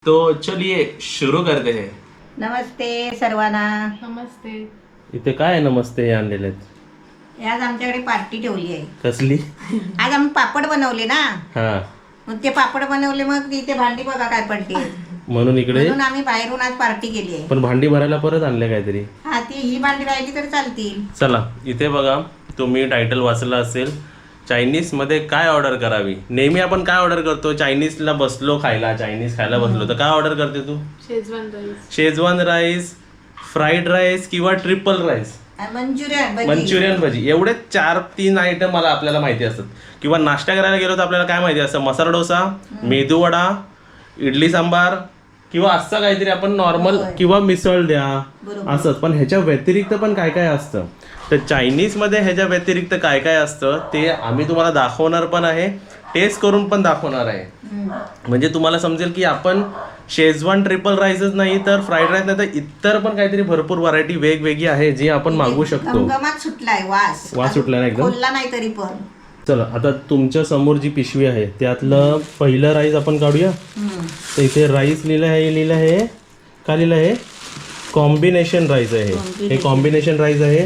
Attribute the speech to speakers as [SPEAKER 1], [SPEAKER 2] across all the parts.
[SPEAKER 1] तो चलिए शुरू करते हैं।
[SPEAKER 2] नमस्ते सर्वांना.
[SPEAKER 3] नमस्ते.
[SPEAKER 1] इथे काय नमस्ते हे आणलेले आहेत?
[SPEAKER 2] आज आमच्याकडे पार्टी ठेवली आहे.
[SPEAKER 1] कसली?
[SPEAKER 2] आज आम्ही पापड बनवले ना,
[SPEAKER 1] हा
[SPEAKER 2] मग ते पापड बनवले, मग इथे भांडी बघा काय पडते.
[SPEAKER 1] म्हणून इकडे.
[SPEAKER 2] म्हणून आम्ही बाहेरून आज पार्टी केली आहे.
[SPEAKER 1] पण भांडी भरायला परत आणले काहीतरी.
[SPEAKER 2] हा, ती ही भांडी राहिली तर चालतील.
[SPEAKER 1] चला इथे बघा, तुम्ही टायटल वाचलं असेल, चायनीज मध्ये काय ऑर्डर करावी. नेहमी आपण काय ऑर्डर करतो? चायनीजला बसलो खायला, चायनीज खायला बसलो तर काय ऑर्डर करते तू?
[SPEAKER 3] Schezwan rice.
[SPEAKER 1] Schezwan rice, fried rice किंवा ट्रिपल राईस, मंचुरियन भजी. एवढे 4-3 आयटम मला आपल्याला माहिती असतात. किंवा नाश्ता करायला गेलो तर आपल्याला काय माहिती असतं? मसाला डोसा, मेदू वडा, इडली सांबार किंवा असं काहीतरी आपण नॉर्मल, किंवा मिसळ द्या असंच. पण ह्याच्या व्यतिरिक्त पण काय काय असतं. तर चायनीजमध्ये ह्याच्या व्यतिरिक्त काय काय असतं ते आम्ही तुम्हाला दाखवणार पण आहे, टेस्ट करून पण दाखवणार आहे. म्हणजे तुम्हाला समजेल की आपण शेजवान ट्रिपल राईसच नाही तर फ्राईड राईस नाही तर इतर पण काहीतरी भरपूर व्हरायटी वेगवेगळी आहे जी आपण मागवू शकतो.
[SPEAKER 2] गमगमाट सुटलाय, वास
[SPEAKER 1] सुटला ना एकदम.
[SPEAKER 2] बोलला नाही तरी पण.
[SPEAKER 1] चला आता तुमच्या समोर जी पिशवी आहे त्यातलं पहिलं राईस आपण काढूया. तर इथे राईस लिहिलं आहे का लिहिलं आहे? कॉम्बिनेशन राईस आहे. हे कॉम्बिनेशन राईस आहे.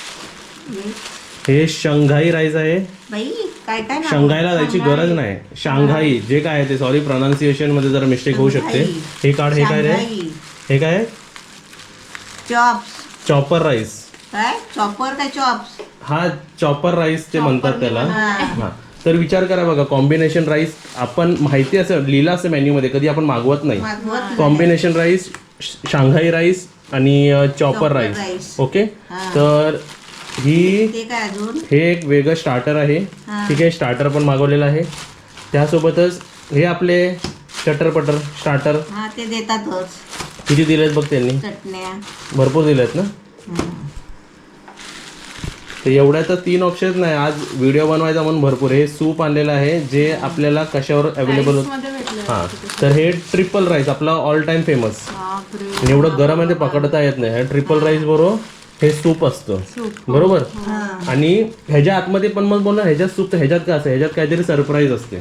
[SPEAKER 1] हे शंघाई राईस आहे.
[SPEAKER 2] बाई काय काय नाव?
[SPEAKER 1] शंघाईला जायची गरज नाही, शांघाई जे काय आहे ते. सॉरी प्रोनाउन्सिएशन मध्ये जरा मिस्टेक होऊ शकते. हे काढ. हे काय रे? हे काय?
[SPEAKER 2] चॉप्स.
[SPEAKER 1] Chopper rice.
[SPEAKER 2] काय चॉपर काय चॉप्स?
[SPEAKER 1] हा चॉपर राईस ते म्हणतात त्याला. हा तर विचार करा बघा, कॉम्बिनेशन राईस आपण माहिती असं लिहिलं असं मेन्यू मध्ये, कधी आपण मागवत नाही. कॉम्बिनेशन राईस, शांघाई राईस आणि चॉपर राईस. ओके, तर
[SPEAKER 2] ते काय अजून?
[SPEAKER 1] हे एक वेगळं स्टार्टर आहे. ठीक आहे, स्टार्टर पण मागवलेलं आहे. त्यासोबतच हे आपले चटरपटर स्टार्टर.
[SPEAKER 2] हा, ते देतातच.
[SPEAKER 1] किती दिलेत बघ त्यांनी?
[SPEAKER 2] चटण्या
[SPEAKER 1] भरपूर दिलेत ना. तर एवढ्या तर 3 ऑप्शन नाही, आज व्हिडिओ बनवायचा म्हणून भरपूर. हे सूप आणलेलं आहे जे आपल्याला कशावर अवेलेबल होतं. हां, तर हे ट्रिपल राईस आपला ऑल टाइम फेमस. एवढं गरम आहे ते पकडता येत नाही. ट्रिपल राईस बरोबर हे सूप असतं बरोबर. आणि ह्याच्या आतमध्ये पण मग बोलणार ह्याच्यात सूप, तर ह्याच्यात काय असतं? ह्याच्यात काहीतरी सरप्राईज असते.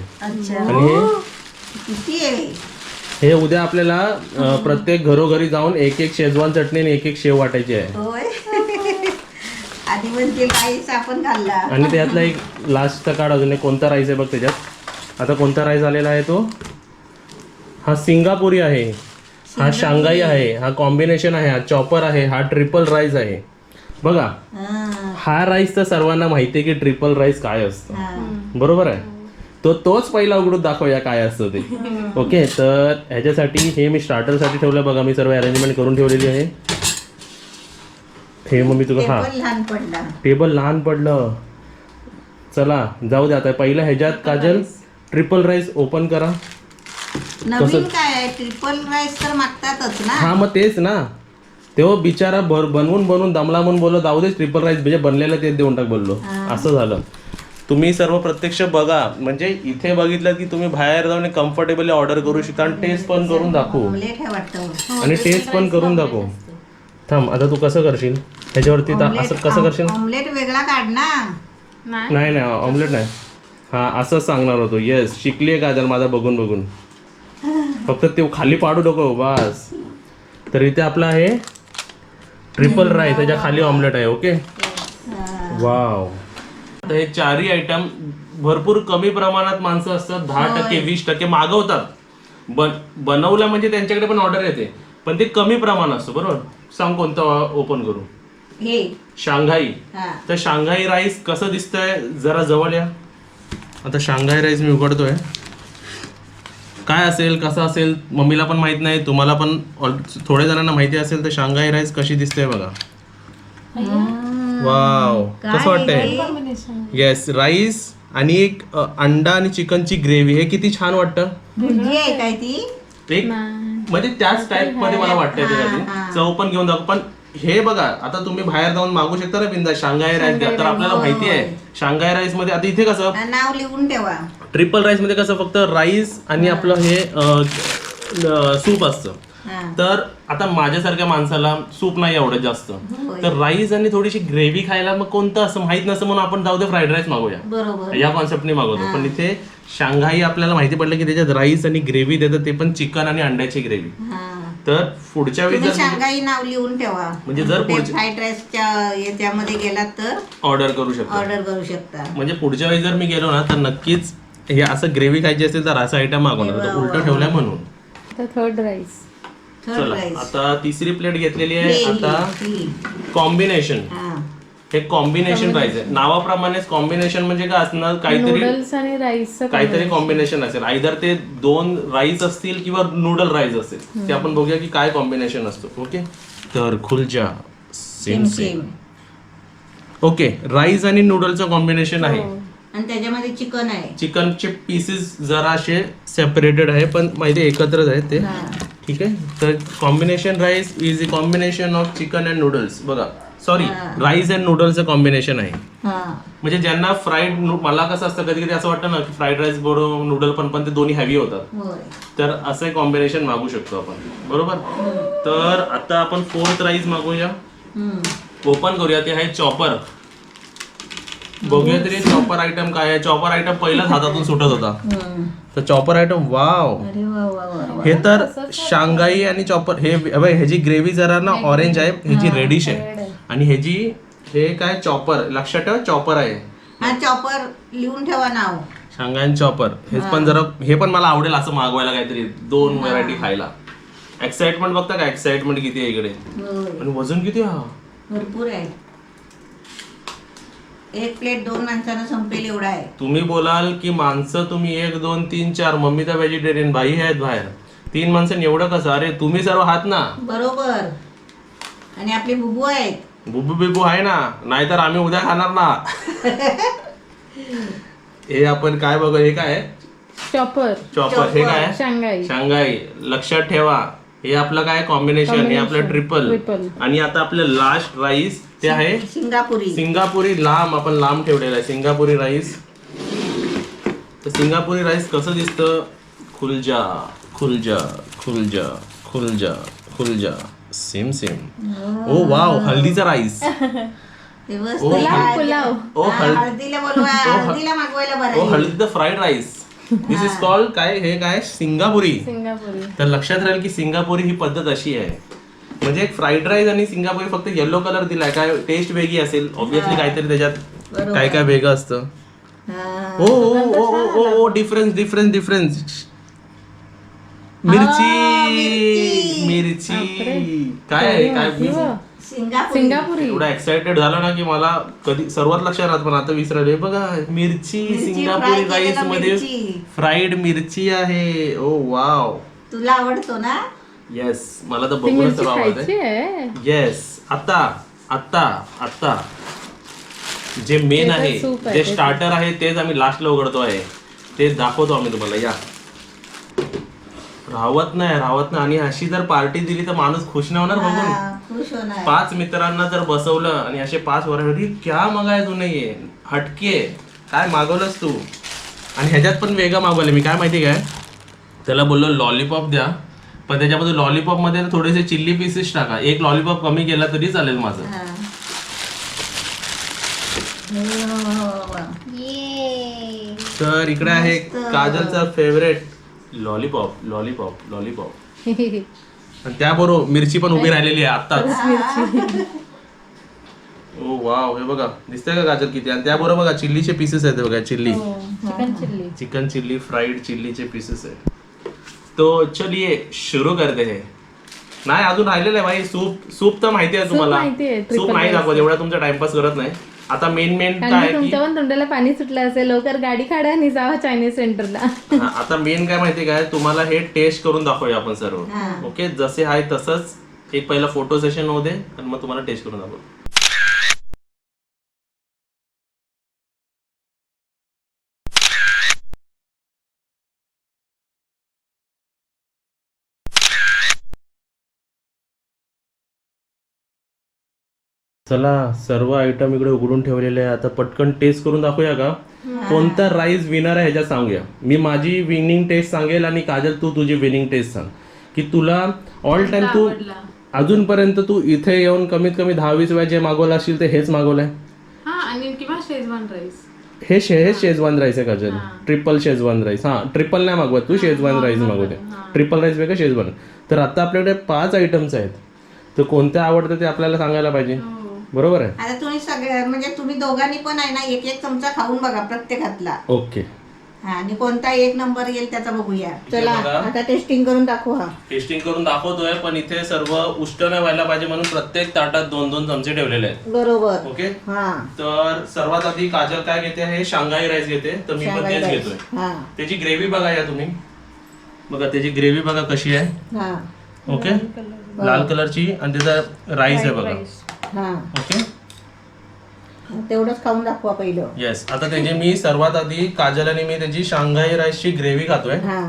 [SPEAKER 1] आणि हे उद्या आपल्याला प्रत्येक घरोघरी जाऊन एक शेजवान चटणी आणि एक शेव वाटायची आहे.
[SPEAKER 2] आधी म्हणजे राईस आपण खाल्ला.
[SPEAKER 1] आणि त्यातला एक लास्टचा कार्ड अजून एक कोणता राईस आहे बघ त्याच्यात. आता कोणता राईस आलेला आहे तो? हा सिंगापुरी आहे, हा शांघाई आहे, हा कॉम्बिनेशन आहे, हा चॉपर आहे, हा ट्रिपल राईस आहे. बघा हा राईस तर सर्वांना माहिती आहे की ट्रिपल राईस काय असतं बरोबर आहे. तोच पहिला उघडून दाखवूया काय असतं ते. ओके, तर ह्याच्यासाठी हे मी स्टार्टरसाठी ठेवलं बघा. मी सर्व अरेंजमेंट करून ठेवलेली आहे. हे मग मी तुला टेबल लहान पडलं. चला जाऊ दे. आता पहिलं ह्याच्यात काजल ट्रिपल राईस ओपन करा.
[SPEAKER 2] नवीन काय आहे? ट्रिपल राईस तर मागतातच ना.
[SPEAKER 1] हा मग तेच ना, तो बिचारा बनवून दमला म्हणून बोललो जाऊ दे ट्रिपल राईस म्हणजे बनलेलं ते देऊन टाक बोललो. असं झालं. तुम्ही सर्व प्रत्यक्ष बघा, म्हणजे इथे बघितलं की तुम्ही बाहेर जाऊन कम्फर्टेबली ऑर्डर करू शकता आणि टेस्ट पण करून दाखवू. आणि टेस्ट पण करून दाखवू. थांब, आता तू कसं करशील ह्याच्यावरती? असं कसं करशील?
[SPEAKER 2] ऑमलेट वेगळा काढ ना.
[SPEAKER 1] नाही ऑमलेट नाही. हा असंच सांगणार होतो. येस, शिकली आहे काजल माझा बघून. फक्त ते खाली पाडू नको बस. तर इथे आपला आहे ट्रिपल राईस, त्याच्या खाली ऑमलेट आहे. Okay, wow. तर हे 4ही आयटम भरपूर कमी प्रमाणात माणसं असतात, 10% 20% मागवतात. बनवलं म्हणजे त्यांच्याकडे पण ऑर्डर येते, पण ते कमी प्रमाण असतं बरोबर. सांग कोणतं ओपन करू?
[SPEAKER 2] हे
[SPEAKER 1] शांघाई. तर शांघाई राईस कसं दिसतंय जरा जवळ या. आता शांघाई राईस मी उघडतोय. काय असेल कसं असेल मम्मीला पण माहित नाही, तुम्हाला पण थोड्या जणांना माहिती असेल. तर शांघाई राईस कशी दिसते बघा. वाव, कसं वाटतंय? येस, राईस आणि एक अंडा आणि चिकनची ग्रेव्ही. हे किती छान वाटतं.
[SPEAKER 2] भुर्जी आहे काय ती?
[SPEAKER 1] एक म्हणजे त्याच टाइप मध्ये मला वाटतंय ते. चव पण घेऊन जाऊ. पण हे बघा, आता तुम्ही बाहेर जाऊन मागू शकता ना बिंदा शांघाई राईस द्या. तर आपल्याला माहिती आहे शांघाई राईस मध्ये आता इथे कसं
[SPEAKER 2] नाव लिहून ठेवा.
[SPEAKER 1] ट्रिपल राईस मध्ये कसं फक्त राईस आणि आपलं हे सूप असतं.
[SPEAKER 2] हा.
[SPEAKER 1] तर आता माझ्यासारख्या माणसाला सूप नाही आवडत जास्त,
[SPEAKER 2] होय.
[SPEAKER 1] तर राईस आणि थोडीशी ग्रेव्ही खायला मग कोणतं असं माहित नसतं म्हणून आपण जाऊ दे फ्राईड राईस मागूया,
[SPEAKER 2] बरोबर.
[SPEAKER 1] या कॉन्सेप्टने मागवतो. पण इथे शांघाई आपल्याला माहिती पडलं की त्याच्यात राईस आणि ग्रेव्ही देतात, ते पण चिकन आणि अंड्याची ग्रेव्ही.
[SPEAKER 2] हा.
[SPEAKER 1] तर पुढच्या वेळी
[SPEAKER 2] तुम्ही
[SPEAKER 1] जर
[SPEAKER 2] शांघाई नाव लिहून ठेवा,
[SPEAKER 1] म्हणजे जर पुढच्या
[SPEAKER 2] फ्राईड राईसच्या याच्यामध्ये गेलात तर
[SPEAKER 1] ऑर्डर करू शकतो,
[SPEAKER 2] ऑर्डर करू शकता.
[SPEAKER 1] म्हणजे पुढच्या वेळी जर मी गेलो ना तर नक्कीच हे असं ग्रेव्ही खायची असेल तर असं आयटम मागवणार, तर उलटं ठेवलंय म्हणून.
[SPEAKER 3] Third rice.
[SPEAKER 2] थर्ड
[SPEAKER 1] चला
[SPEAKER 2] राईस.
[SPEAKER 1] आता तिसरी प्लेट घेतलेली आहे. आता कॉम्बिनेशन,
[SPEAKER 2] हा.
[SPEAKER 1] हे कॉम्बिनेशन राईस आहे. नावाप्रमाणेच कॉम्बिनेशन म्हणजे काय असणार, काहीतरी
[SPEAKER 3] नूडल्स आणि राईस
[SPEAKER 1] काहीतरी कॉम्बिनेशन असेल. आयदर ते 2 राईस असतील किंवा नूडल राईस असेल, ते आपण बघूया की काय कॉम्बिनेशन असतो. ओके, तर खुलजा सेम सेम. ओके, राईस आणि नूडलचं कॉम्बिनेशन आहे.
[SPEAKER 2] आणि त्याच्यामध्ये चिकन आहे.
[SPEAKER 1] चिकनचे पीसेस जराशे सेपरेटेड आहे, पण माहिती एकत्रच आहेत ते.
[SPEAKER 2] हा.
[SPEAKER 1] ठीक आहे, तर combination rice is a combination of chicken and noodles. बघा, सॉरी, राईस अँड नूडल्सचं कॉम्बिनेशन आहे.
[SPEAKER 2] हा.
[SPEAKER 1] म्हणजे ज्यांना फ्राईड, मला कसं असतं कधी कधी असं वाटतं ना की फ्राईड राईस बरोबर नूडल पण ते दोन्ही हॅवी होतात,
[SPEAKER 2] होय.
[SPEAKER 1] तर असं कॉम्बिनेशन मागू शकतो आपण, बरोबर. तर आता आपण 4th राईस मागूया. ओपन करूया, ते आहे चॉपर. बघूया तरी चॉपर आयटम काय आहे. चॉपर आयटम पहिलाच हातातून सुटत होता, तर चॉपर आयटम, वाव.
[SPEAKER 2] अरे वा वा वा.
[SPEAKER 1] हे तर शांघाई आणि चॉपर. हे ह्याची ग्रेव्ही जरा ना ऑरेंज आहे, ह्याची रेडिश आहे, आणि ह्याची हे काय चॉपर, लक्षात ठेवा चॉपर आहे.
[SPEAKER 2] हा, चॉपर लिहून ठेवा नाव.
[SPEAKER 1] शांघाई आणि चॉपर. हे पण जरा, हे पण मला आवडेल असं मागवायला, काहीतरी 2 व्हरायटी खायला. एक्साइटमेंट बघता का, एक्साइटमेंट किती आहे इकडे,
[SPEAKER 2] होय.
[SPEAKER 1] आणि वजन किती हा.
[SPEAKER 2] भरपूर आहे. एक प्लेट 2 माणसांना संपेल एवढा आहे.
[SPEAKER 1] तुम्ही बोलाल की माणसं तुम्ही 1 2 3 4, मम्मी तर व्हेजिटेरियन, भाई आहेत बाहेर, 3 माणसं एवढं कसं. अरे तुम्ही सर्व आहात ना,
[SPEAKER 2] बरोबर. आणि आपले बुबू आहेत.
[SPEAKER 1] बुबू बिबू आहे ना, नाहीतर आम्ही उद्या खाणार ना. हे आपण काय बघू, हे काय
[SPEAKER 3] चॉपर.
[SPEAKER 1] चॉपर. हे काय
[SPEAKER 3] शांघाई.
[SPEAKER 1] शांघाई. लक्षात ठेवा, हे आपलं काय कॉम्बिनेशन, हे आपलं ट्रिपल. आणि आता आपलं लास्ट राईस ते आहे
[SPEAKER 2] सिंगापुरी.
[SPEAKER 1] सिंगापुरी. लांब, आपण लांब ठेवलेला आहे सिंगापुरी राईस. तर सिंगापुरी राईस कसं दिसतं, खुलजा खुलजा खुलजा खुलजा खुलजा, सेम सेम. ओ वाव, हल्दीचा राईस.
[SPEAKER 3] पुलाव.
[SPEAKER 2] हळदीला बोलवा, हळदीला मागवायला बरं
[SPEAKER 1] ओ
[SPEAKER 2] आहे.
[SPEAKER 1] Haldi the fried rice. This is called काय, हे काय सिंगापुरी.
[SPEAKER 3] सिंगापुरी.
[SPEAKER 1] तर लक्षात राहील की सिंगापुरी ही पद्धत अशी आहे. म्हणजे एक फ्राईड राईस आणि सिंगापुरी फक्त येलो कलर दिलाय, काय टेस्ट वेगळी असेल ऑब्विसली, काहीतरी त्याच्यात काय काय वेगळं असतं.
[SPEAKER 2] हा.
[SPEAKER 1] ओ ओ ओ ओ ओ, डिफरन्स डिफरन्स डिफरन्स. मिरची मिरची काय आहे, काय मी
[SPEAKER 2] सिंगापुरी.
[SPEAKER 3] सिंगापुरी.
[SPEAKER 1] एवढा एक्साइटेड झाला ना की मला कधी सर्वात लक्षात राहत, पण आता विसरले. बघा, मिरची सिंगापुरी राईस मध्ये फ्राईड मिरची आहे. Oh wow.
[SPEAKER 2] तुला आवडतो ना.
[SPEAKER 1] येस, मला तर बघूनच सर्व आवडत
[SPEAKER 3] आहे.
[SPEAKER 1] येस. आता आता आता जे मेन आहे, जे स्टार्टर आहे, तेच आम्ही लास्टला उघडतो आहे, ते दाखवतो आम्ही तुम्हाला. या, राहत नाही. आणि अशी जर पार्टी दिली तर माणूस खुश नाही होणार बघून.
[SPEAKER 2] खुश होणार.
[SPEAKER 1] 5 मित्रांना जर बसवलं आणि असे 5 व्हरायटी, क्या मागाय तू नाहीये, हटके काय मागवलंस तू. आणि ह्याच्यात पण वेगळं मागवलं मी, काय माहिती काय, त्याला बोललो लॉलीपॉप द्या, पण त्याच्यामध्ये लॉलीपॉप मध्ये थोडेसे चिल्ली पीसेस टाका. 1 लॉलीपॉप कमी केला तरी चालेल माझं. तर इकडे आहे काजलचा फेवरेट लॉलीपॉप. आणि त्याबरोबर मिरची पण उभी राहिलेली आहे आत्ताच. ओ वाव, हे बघा दिसतंय का गाजर किती. आणि त्याबरोबर बघा चिल्लीचे पीसेस आहेत, बघा चिल्ली, चिकन चिल्ली, फ्राईड चिल्लीचे पीसेस आहेत. तो चलिए शुरू करते हैं. नाही, अजून राहिलेलं आहे भाई सूप तर माहिती आहे तुम्हाला. सूप नाही दाखवत, एवढा तुमचा टाइमपास करत नाही. आता मेन काय,
[SPEAKER 3] तुमच्या पण तोंडाला पाणी सुटलं असेल, लवकर गाडी काढा आणि जावा चायनीज सेंटरला.
[SPEAKER 1] आता मेन काय माहिती काय, तुम्हाला हे टेस्ट करून दाखवूया आपण सर्व. ओके, जसे आहे तसंच. एक पहिला फोटो सेशन होऊ दे आणि मग तुम्हाला टेस्ट करून दाखवू. चला, सर्व आयटम इकडे उघडून ठेवलेले आहे. आता पटकन टेस्ट करून दाखवूया का, कोणता राईस विनर आहे ह्याच्यात सांगूया. मी माझी विनिंग टेस्ट सांगेल आणि काजल तू तुझी विनिंग टेस्ट सांग. की तुला ऑल टाइम तू अजूनपर्यंत तू इथे येऊन कमीत कमी 10-20 वेळा जे मागवलं असेल ते हेच मागवलंय?
[SPEAKER 3] हा, आणि किंवा शेजवान राईस.
[SPEAKER 1] हे शेजवान राईस आहे काजल, ट्रिपल शेजवान राईस. हा, ट्रिपल नाही मागवत तू, शेजवान राईस मागवते. ट्रिपल राईस वेगळं, शेजवान. तर आता आपल्याकडे 5 आयटम्स आहेत, तर कोणत्या आवडतं ते आपल्याला सांगायला पाहिजे, बरोबर आहे?
[SPEAKER 2] आता तुम्ही सगळे म्हणजे तुम्ही दोघांनी पण आहे ना एक एक चमचा खाऊन बघा प्रत्येकातला.
[SPEAKER 1] ओके.
[SPEAKER 2] हा, आणि कोणता एक नंबर येईल त्याचा बघूया. चला
[SPEAKER 1] बघा.
[SPEAKER 2] आता टेस्टिंग करून दाखवा.
[SPEAKER 1] टेस्टिंग करून दाखवतोय, पण इथे सर्व उष्ट नाही व्हायला पाहिजे म्हणून प्रत्येक ताटात 2-2 चमचे ठेवलेले आहेत.
[SPEAKER 2] बरोबर.
[SPEAKER 1] ओके.
[SPEAKER 2] हा,
[SPEAKER 1] तर सर्वात आधी काजल काय घेते, हे शांघाई राईस घेते, तर मी पण
[SPEAKER 2] शांघाई
[SPEAKER 1] तेच
[SPEAKER 2] राईस.
[SPEAKER 1] घेतोय.
[SPEAKER 2] हा
[SPEAKER 1] त्याची ग्रेव्ही बघा या तुम्ही, बघा त्याची ग्रेव्ही बघा कशी आहे.
[SPEAKER 2] हा
[SPEAKER 1] ओके, लाल कलरची, आणि त्याचा राईस आहे बघा.
[SPEAKER 2] हा,
[SPEAKER 1] ओके,
[SPEAKER 2] तेवढंच खाऊन दाखवा पहिलं.
[SPEAKER 1] येस. आता त्याची मी सर्वात आधी काजल आणि मी त्याची शांघाई राईसची ग्रेव्ही खातोय.
[SPEAKER 2] हा,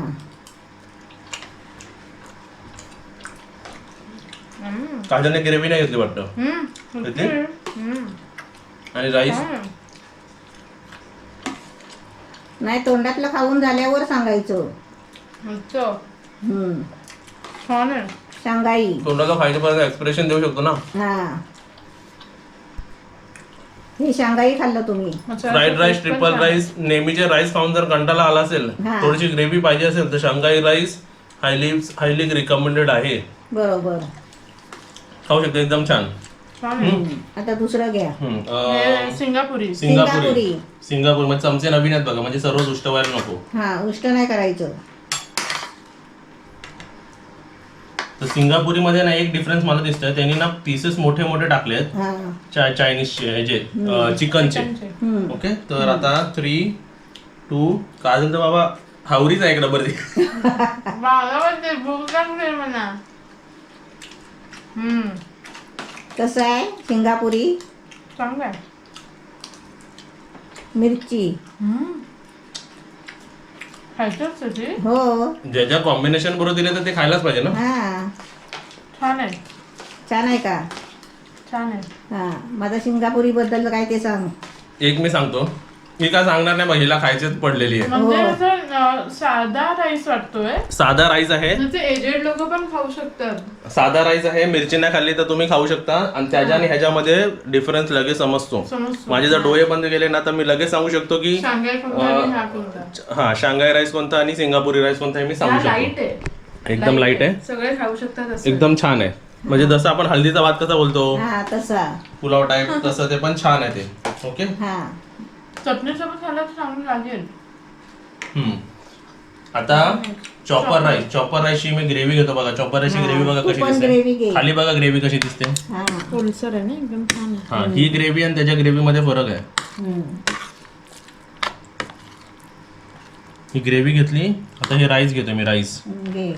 [SPEAKER 1] काजलने ग्रेव्ही नाही घेतली वाटतं, घेतली? आणि राईस
[SPEAKER 2] नाही तोंडातलं खाऊन झाल्यावर सांगायचं. शांघाई.
[SPEAKER 1] तोंडाला फायदेपर्यंत एक्सप्रेशन देऊ शकतो ना.
[SPEAKER 2] हा, हे शांघाई खाल्लं तुम्ही.
[SPEAKER 1] फ्राईड राईस, ट्रिपल राईस, नेहमीचे राईस खाऊन जर कंटाळा आला असेल,
[SPEAKER 2] हा.
[SPEAKER 1] थोडीशी ग्रेव्ही पाहिजे असेल, तर शांघाई राईस हायली रिकमेंडेड आहे.
[SPEAKER 2] बरोबर.
[SPEAKER 1] खाऊ शकतो, एकदम छान.
[SPEAKER 2] आता दुसरं घ्या.
[SPEAKER 3] सिंगापुरी.
[SPEAKER 1] सिंगापूर म्हणजे चमचे नवीन आहेत बघा, म्हणजे सर्व उष्ट व्हायला नको.
[SPEAKER 2] हा, उष्ट नाही करायचं.
[SPEAKER 1] तर सिंगापुरी मध्ये ना एक डिफरन्स मला दिसतोय, त्यांनी ना पीसेस मोठे मोठे टाकलेत
[SPEAKER 2] हा,
[SPEAKER 1] चायनीजचे, हे जे चिकनचे. ओके, तर आता 3, 2, काजल तर बाबा हावरीच आहे एक डबर ती.
[SPEAKER 2] कसं आहे सिंगापुरी?
[SPEAKER 3] चांगलं.
[SPEAKER 2] मिरची. हो.
[SPEAKER 1] ज्याच्या कॉम्बिनेशन बरोबर दिले तर ते खायलाच पाहिजे ना.
[SPEAKER 2] हा,
[SPEAKER 3] छान आहे.
[SPEAKER 2] छान आहे का?
[SPEAKER 3] छान आहे.
[SPEAKER 2] हा, माझा सिंगापुरी बद्दल काय ते सांग.
[SPEAKER 1] एक मी सांगतो, मी काय सांगणार नाही, महिला खायचीच पडलेली आहे.
[SPEAKER 3] म्हणजे असं साधा राईस वाटतोय.
[SPEAKER 1] साधा राईस आहे,
[SPEAKER 3] एजेड लोक पण खाऊ शकतात.
[SPEAKER 1] साधा राईस आहे. मिरची नाही खाल्ली तर तुम्ही खाऊ शकता, आणि त्याच्या आणि ह्याच्यामध्ये डिफरन्स लगेच समजतो. माझे जर डोळे बंद केले ना तर मी लगेच सांगू शकतो की हा शांघाई राईस कोणता आणि सिंगापुरी राईस कोणता हे मी सांगू शकतो. एकदम लाईट आहे,
[SPEAKER 3] सगळे खाऊ शकतात.
[SPEAKER 1] एकदम छान आहे. म्हणजे जसं आपण हल्दीचा भात कसा बोलतो,
[SPEAKER 2] हा तसा
[SPEAKER 1] पुलाव टाईप, तसं ते पण छान आहे ते. ओके.
[SPEAKER 2] हा,
[SPEAKER 3] चटणी सोबत खायला चांगलं लागेल.
[SPEAKER 1] आता चॉपर राईसची मी ग्रेव्ही घेतो बघा. चॉपर राईसची ग्रेव्ही बघा कशी
[SPEAKER 2] ग्रेव्ही
[SPEAKER 1] दिसते,
[SPEAKER 2] घे.
[SPEAKER 1] खाली बघा ग्रेव्ही कशी दिसते.
[SPEAKER 2] हा,
[SPEAKER 3] ओलसर आहे ना, एकदम छान आहे.
[SPEAKER 1] हा, ही ग्रेव्ही आणि त्याच्या ग्रेव्ही मध्ये फरक आहे. ही ग्रेव्ही घेतली, आता हे राईस घेतो मी. राईस
[SPEAKER 2] घे.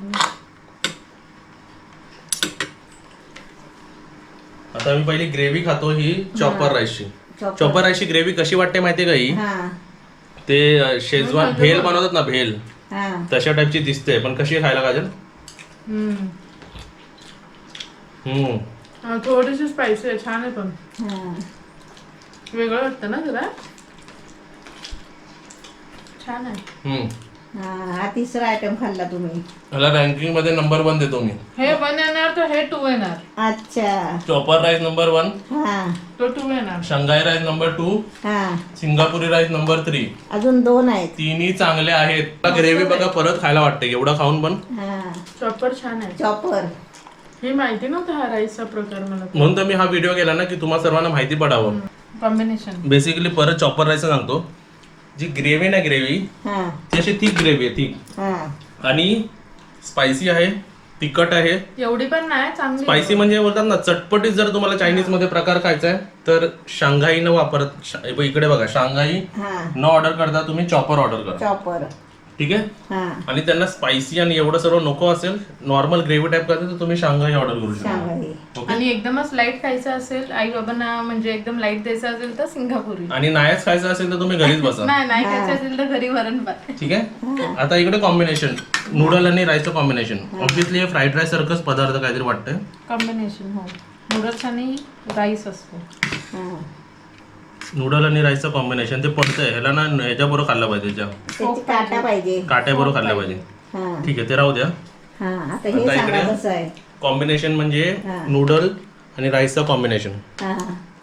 [SPEAKER 1] आता मी पहिली ग्रेव्ही खातो ही चॉपर राईसची. चॉपर राईसची ग्रेव्ही कशी वाटते माहितीये का? ही
[SPEAKER 2] हा,
[SPEAKER 1] ते शेजवान भेल बनवतात ना, भेल
[SPEAKER 2] हा,
[SPEAKER 1] तशा टाईपची दिसते, पण कशी आहे खायला काजल?
[SPEAKER 3] थोडीशी स्पायसी आहे, छान आहे, पण
[SPEAKER 2] हा.
[SPEAKER 3] वेगळं वाटतं ना जरा. छान आहे.
[SPEAKER 2] हा, तिसरा आयटम खाल्ला तुम्ही.
[SPEAKER 1] ह्याला रँकिंग मध्ये नंबर 1 देतो मी.
[SPEAKER 3] हे 1 येणार तर हे 2 येणार.
[SPEAKER 2] अच्छा.
[SPEAKER 1] चॉपर राईस नंबर 1,
[SPEAKER 2] हा,
[SPEAKER 3] तो 2 येणार.
[SPEAKER 1] शांघाई राईस नंबर 2,
[SPEAKER 2] हा,
[SPEAKER 1] सिंगापुरी राईस नंबर 3.
[SPEAKER 2] अजून 2 आहेत.
[SPEAKER 1] तिन्ही चांगले आहेत. ग्रेव्ही बघा परत खायला वाटते एवढं खाऊन पण.
[SPEAKER 2] हा,
[SPEAKER 3] चॉपर छान आहे.
[SPEAKER 2] चॉपर.
[SPEAKER 3] हे माहिती नव्हतं हा राईसचा प्रकार मला.
[SPEAKER 1] म्हणून तर मी हा व्हिडिओ केला ना, की तुम्हाला सर्वांना माहिती पडावं.
[SPEAKER 3] कॉम्बिनेशन
[SPEAKER 1] बेसिकली परत चॉपर राईस सांगतो. जी ग्रेव्ही ना, ग्रेव्ही
[SPEAKER 2] हा,
[SPEAKER 1] ती अशी थिक ग्रेव्ही आहे, थिक,
[SPEAKER 2] हा,
[SPEAKER 1] आणि स्पायसी आहे, तिखट आहे.
[SPEAKER 3] एवढी पण नाही चांगली.
[SPEAKER 1] स्पायसी म्हणजे बोलतात ना चटपटीत. जर तुम्हाला चायनीज मध्ये प्रकार खायचा आहे तर शांघाई न वापरत, इकडे बघा, शांघाई
[SPEAKER 2] हा,
[SPEAKER 1] न ऑर्डर करता तुम्ही चॉपर ऑर्डर करा.
[SPEAKER 2] चॉपर.
[SPEAKER 1] ठीक आहे.
[SPEAKER 2] हा,
[SPEAKER 1] आणि त्यांना स्पायसी आणि एवढं सर्व नको असेल, नॉर्मल ग्रेव्ही टाईप करायचं तर तुम्ही शांघाई ऑर्डर करू शकता.
[SPEAKER 2] शांघाई.
[SPEAKER 1] ओके.
[SPEAKER 3] आणि एकदमच लाईट खायचं असेल, आई बाबांना म्हणजे एकदम लाईट द्यायचं असेल तर सिंगापुरी.
[SPEAKER 1] आणि नाहीच खायचं असेल तर तुम्ही घरीच बसा.
[SPEAKER 3] नाही खायचं असेल तर घरी वरण भात.
[SPEAKER 1] ठीक आहे. आता इकडे कॉम्बिनेशन नूडल आणि राईसचं कॉम्बिनेशन. ऑब्विसली हे फ्राईड राईस सारखंच पदार्थ काहीतरी वाटतंय.
[SPEAKER 3] कॉम्बिनेशन हो, नूडल्स आणि राईस असतो.
[SPEAKER 2] हा,
[SPEAKER 1] नूडल आणि राईसचं कॉम्बिनेशन ते पडतंय. ह्याला ना ह्याच्या बरोबर खाल्लं पाहिजे,
[SPEAKER 2] त्याची काटा पाहिजे.
[SPEAKER 1] काट्या बरोबर खाल्लं पाहिजे.
[SPEAKER 2] हा,
[SPEAKER 1] ठीक आहे, ते राहू द्या.
[SPEAKER 2] हा आता हे
[SPEAKER 1] आता
[SPEAKER 2] सांगा
[SPEAKER 1] इकडे
[SPEAKER 2] कसं आहे.
[SPEAKER 1] कॉम्बिनेशन म्हणजे
[SPEAKER 2] हा.
[SPEAKER 1] नूडल आणि राईसचं कॉम्बिनेशन.
[SPEAKER 2] हा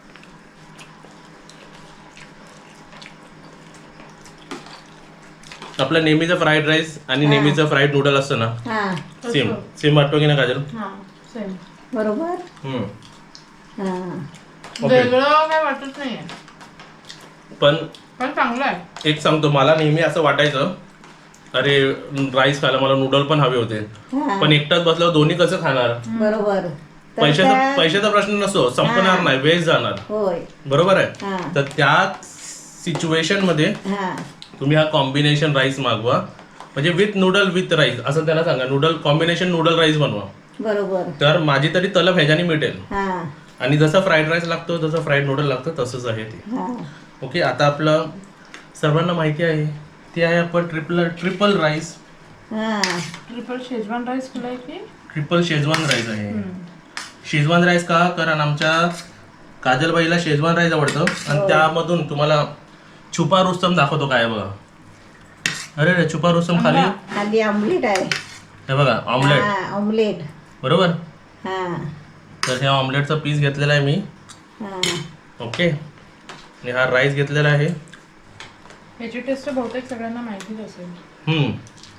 [SPEAKER 1] आपलं नेहमीचं फ्राईड राईस आणि
[SPEAKER 2] हा.
[SPEAKER 1] नेहमीचं फ्राईड नूडल असतं ना,
[SPEAKER 2] हा
[SPEAKER 1] सेम सेम वाटतो की ना काजल?
[SPEAKER 3] हा सेम.
[SPEAKER 2] बरोबर.
[SPEAKER 1] हम्म.
[SPEAKER 2] हा
[SPEAKER 1] ओके.
[SPEAKER 3] वेगळं काय वाटत नाहीये,
[SPEAKER 1] पण
[SPEAKER 3] पण चांगलं आहे.
[SPEAKER 1] एक सांगतो, मला नेहमी असं वाटायचं अरे राईस खायला मला नूडल पण हवे होते,
[SPEAKER 2] हा.
[SPEAKER 1] पण एकटाच बसल्यावर दोन्ही कसं खाणार?
[SPEAKER 2] बरोबर. तर
[SPEAKER 1] पैशाचा
[SPEAKER 2] त्या-
[SPEAKER 1] पैशाचा प्रश्न नसतो, संपणार
[SPEAKER 2] हा.
[SPEAKER 1] नाही, वेस्ट जाणार.
[SPEAKER 2] होय.
[SPEAKER 1] बरोबर
[SPEAKER 2] हा.
[SPEAKER 1] आहे. तर त्या सिच्युएशन मध्ये
[SPEAKER 2] हा
[SPEAKER 1] तुम्ही हा कॉम्बिनेशन राईस मागवा, म्हणजे विथ नूडल विथ राईस असं त्यांना सांगा, नूडल कॉम्बिनेशन नूडल राईस बनवा.
[SPEAKER 2] बरोबर.
[SPEAKER 1] तर माझी तरी तलब ह्याच्याने मिळेल.
[SPEAKER 2] हा
[SPEAKER 1] आणि जसं फ्राईड राईस लागतो जसं फ्राईड नूडल लागतं तसंच आहे ते.
[SPEAKER 2] हा
[SPEAKER 1] ओके. आता आपलं सर्वांना माहिती आहे ते आहे आपण ट्रिपल राईस,
[SPEAKER 2] हा
[SPEAKER 3] ट्रिपल शेजवान राईस केलाय की
[SPEAKER 1] ट्रिपल शेजवान राईस आहे. शेजवान राईस का? कारण आमच्या काजलबाईला शेजवान राईस आवडतं आणि त्यामधून तुम्हाला छुपा रुस्तम दाखवतो काय आहे बघा. अरे रे, छुपा रुस्तम खाली
[SPEAKER 2] खाली ऑमलेट आहे.
[SPEAKER 1] हे बघा, ऑमलेट.
[SPEAKER 2] हा ऑमलेट.
[SPEAKER 1] बरोबर.
[SPEAKER 2] हा
[SPEAKER 1] तर ह्या ऑमलेटचा पीस घेतलेला आहे मी.
[SPEAKER 2] हा
[SPEAKER 1] ओके. आणि हा राईस घेतलेला आहे.
[SPEAKER 3] याची टेस्ट बहुतेक सगळ्यांना माहितीच असेल.
[SPEAKER 1] हम्म.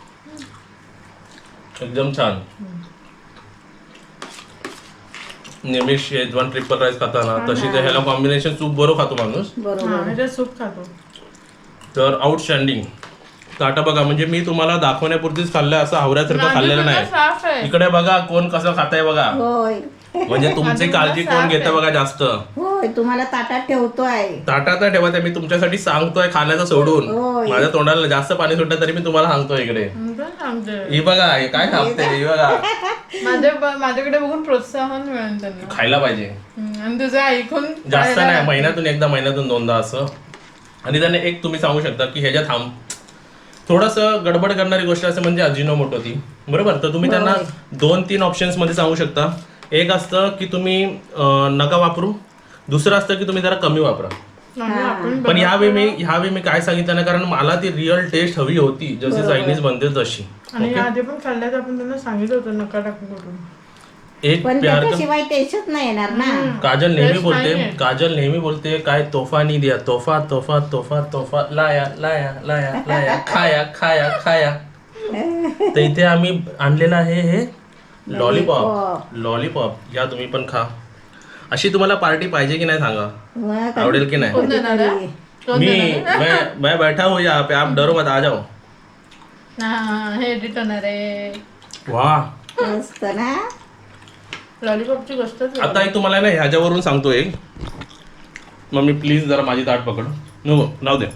[SPEAKER 1] एकदम छान. नेहमी शेजवान ट्रिपल राईस खाताना तशी तर ह्याला कॉम्बिनेशन सूप बरोबर खातो माणूस.
[SPEAKER 2] बरोबर.
[SPEAKER 3] ह्याच्यात सूप खातो.
[SPEAKER 1] तर आउटस्टँडिंग. तर आता बघा, म्हणजे मी तुम्हाला दाखवण्यापुरतीच खाल्लंय, असं हावऱ्यासारखं खाल्लेलं
[SPEAKER 3] माझं
[SPEAKER 1] नाही.
[SPEAKER 3] तुझं साफ आहे.
[SPEAKER 1] इकडे बघा कोण कसं खाताय बघा,
[SPEAKER 2] होय
[SPEAKER 1] म्हणजे तुमची काळजी कोण घेतं बघा जास्त.
[SPEAKER 2] होय तुम्हाला ताटात ठेवतोय.
[SPEAKER 1] ताटात नाही ठेवत आहे, मी तुमच्यासाठी सांगतोय खाण्याचं सोडून.
[SPEAKER 2] होय.
[SPEAKER 1] माझ्या तोंडाला जास्त पाणी सुटलं तरी मी तुम्हाला सांगतोय इकडे.
[SPEAKER 3] मी पण सांगते.
[SPEAKER 1] हे बघा, हे काय खाते, हे बघा.
[SPEAKER 3] माझ्याकडे बघून प्रोत्साहन मिळेल त्यांना.
[SPEAKER 1] खायला पाहिजे.
[SPEAKER 3] आणि तुझं ऐकून
[SPEAKER 1] जास्त नाही, महिन्यातून एकदा, महिन्यातून दोनदा असं. आणि त्याने एक तुम्ही सांगू शकता की ह्याच्यात थोडंसं गडबड करणारी गोष्ट असं म्हणजे अजिनोमोटो ती. बरोबर. तर तुम्ही त्यांना 2-3 ऑप्शन्स मध्ये सांगू शकता. एक असतं की तुम्ही नका वापरू, दुसरं असतं की तुम्ही जरा कमी वापरा. पण ह्यावेळी मी काय सांगितलं ना, कारण मला ती रिअल टेस्ट हवी होती जशी चायनीज बनते तशी.
[SPEAKER 3] आणि आधी पण खाल्ल्यात आपण त्यांना सांगितलं होतं नका टाकू करून.
[SPEAKER 1] एक
[SPEAKER 2] पण
[SPEAKER 1] प्यार
[SPEAKER 2] त्याच्याशिवाय टेस्टच नाही येणार ना.
[SPEAKER 1] काजल
[SPEAKER 3] नाहीये.
[SPEAKER 1] नेहमी बोलते काय तोफा नाही दिया, तोफा तोफा तोफा तोफा, लाया लाया लाया लाया, खाया खाया खाया. तर इथे आम्ही आणलेलं आहे हे लॉलीपॉप. या तुम्ही पण खा. अशी तुम्हाला पार्टी पाहिजे की नाही सांगा,
[SPEAKER 2] मग
[SPEAKER 1] आवडेल की नाही?
[SPEAKER 3] कोण देणार आहे? कोण देणार आहे?
[SPEAKER 1] मैं बैठा हूँ यहाँ पे, आप डरो मत, आ जाओ.
[SPEAKER 3] हा, हे एडिट होणार आहे.
[SPEAKER 1] वाह,
[SPEAKER 2] मस्त ना.
[SPEAKER 3] लॉलीपॉपची गोष्टच
[SPEAKER 1] आता एक तुम्हाला ना ह्याच्यावरून सांगतो एक. मम्मी प्लीज जरा माझी ताट पकड. नको राहू दे.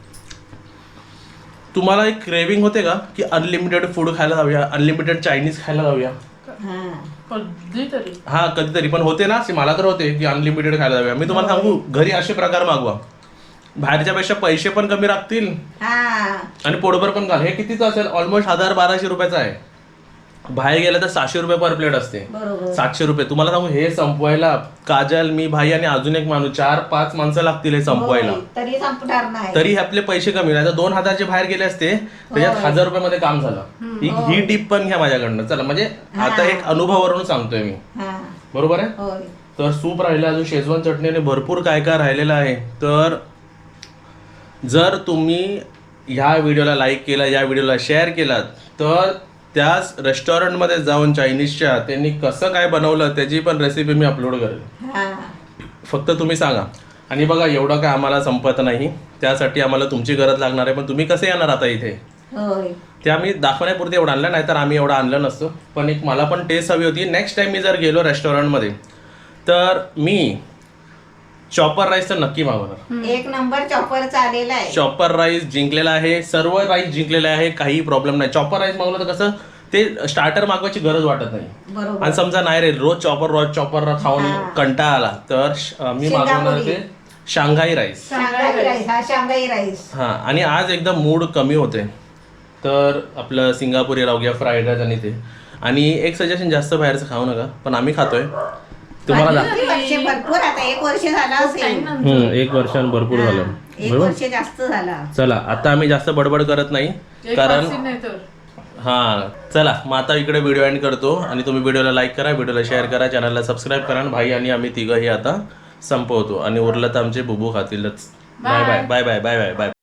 [SPEAKER 1] तुम्हाला एक क्रेविंग होते का की अनलिमिटेड फूड खायला जाऊया, अनलिमिटेड चायनीज खायला जाऊया?
[SPEAKER 2] हा
[SPEAKER 3] कधीतरी.
[SPEAKER 1] हा कधीतरी, पण होते ना, मला तर होते की अनलिमिटेड खायला जाऊया. मी तुम्हाला सांगू, घरी असे प्रकार मागवा, बाहेरच्या पेक्षा पैसे पण कमी लागतील
[SPEAKER 2] हा
[SPEAKER 1] आणि पोटभर पण घाल. हे कितीचं असेल? ऑलमोस्ट 1000-1200 रुपयाचं आहे. बाहेर गेलं तर 700 रुपये पर प्लेट असते,
[SPEAKER 2] बरोबर.
[SPEAKER 1] 700 रुपये. तुम्हाला सांगू, हे संपवायला काजल, मी, भाई आणि अजून एक माणूस, 4-5 माणसं लागतील हे संपवायला.
[SPEAKER 2] होय, तरी संपणार नाही.
[SPEAKER 1] तरी आपले पैसे कमी नाही तर 2000चे बाहेर गेले असते, त्याच्यात 1000 रुपयामध्ये काम झालं. ही टिप पण घ्या माझ्याकडनं. चला, म्हणजे आता एक अनुभवावरून सांगतोय मी.
[SPEAKER 2] हा
[SPEAKER 1] बरोबर आहे.
[SPEAKER 2] होय.
[SPEAKER 1] तर सूप राहिलं, अजून शेजवान चटणीने भरपूर काय काय राहिलेलं आहे. तर जर तुम्ही ह्या व्हिडिओला लाईक केला, या व्हिडिओला शेअर केलात, तर त्याच रेस्टॉरंटमध्ये जाऊन चायनीजच्या त्यांनी कसं काय बनवलं त्याची पण रेसिपी मी अपलोड करेल.
[SPEAKER 2] हा
[SPEAKER 1] फक्त तुम्ही सांगा. आणि बघा, एवढं काय आम्हाला संपत नाही, त्यासाठी आम्हाला तुमची गरज लागणार आहे. पण तुम्ही कसे येणार आता इथे?
[SPEAKER 2] होय.
[SPEAKER 1] ते आम्ही दाखवण्यापुरते एवढं आणलं, नाही तर आम्ही एवढं आणलं नसतं. पण एक मला पण टेस्ट हवी होती. नेक्स्ट टाइम मी जर गेलो रेस्टॉरंटमध्ये तर मी चॉपर राईस तर नक्की मागवणार.
[SPEAKER 2] एक नंबर चॉपर चालेला आहे.
[SPEAKER 1] चॉपर राईस जिंकलेला आहे, सर्व राईस जिंकलेले आहे, काही प्रॉब्लेम नाही. चॉपर राईस मागवलं तर कसं ते स्टार्टर मागवायची गरज वाटत नाही.
[SPEAKER 2] बरोबर.
[SPEAKER 1] आणि समजा नाही रे, रोज चॉपर खाऊन कंटाळा आला तर मी मागवणार ते शांघाई राईस.
[SPEAKER 2] Shanghai rice. हा शांघाई राईस.
[SPEAKER 1] हा. आणि आज एकदम मूड कमी होते तर आपलं सिंगापुरी राहू घ्या, फ्राईड राईस आणि ते. आणि एक सजेशन, जास्त बाहेरचं खाऊ नका, पण आम्ही खातोय. तुम्हाला
[SPEAKER 2] भरपूर, आता 1 वर्ष झाला असेल.
[SPEAKER 1] 1 वर्षानं भरपूर झालं.
[SPEAKER 2] 1 वर्ष जास्त झाला.
[SPEAKER 1] चला, आता आम्ही जास्त बडबड करत नाही, कारण हां चला मग आता इकडे व्हिडिओ एंड करतो आणि तुम्ही व्हिडिओला लाईक करा, व्हिडिओला शेअर करा, चॅनलला सबस्क्राईब करा आणि भाई आणि आम्ही तिघंही आता संपवतो आणि उरलं तर आमचे बुबू खातीलच. Bye bye bye bye bye bye bye.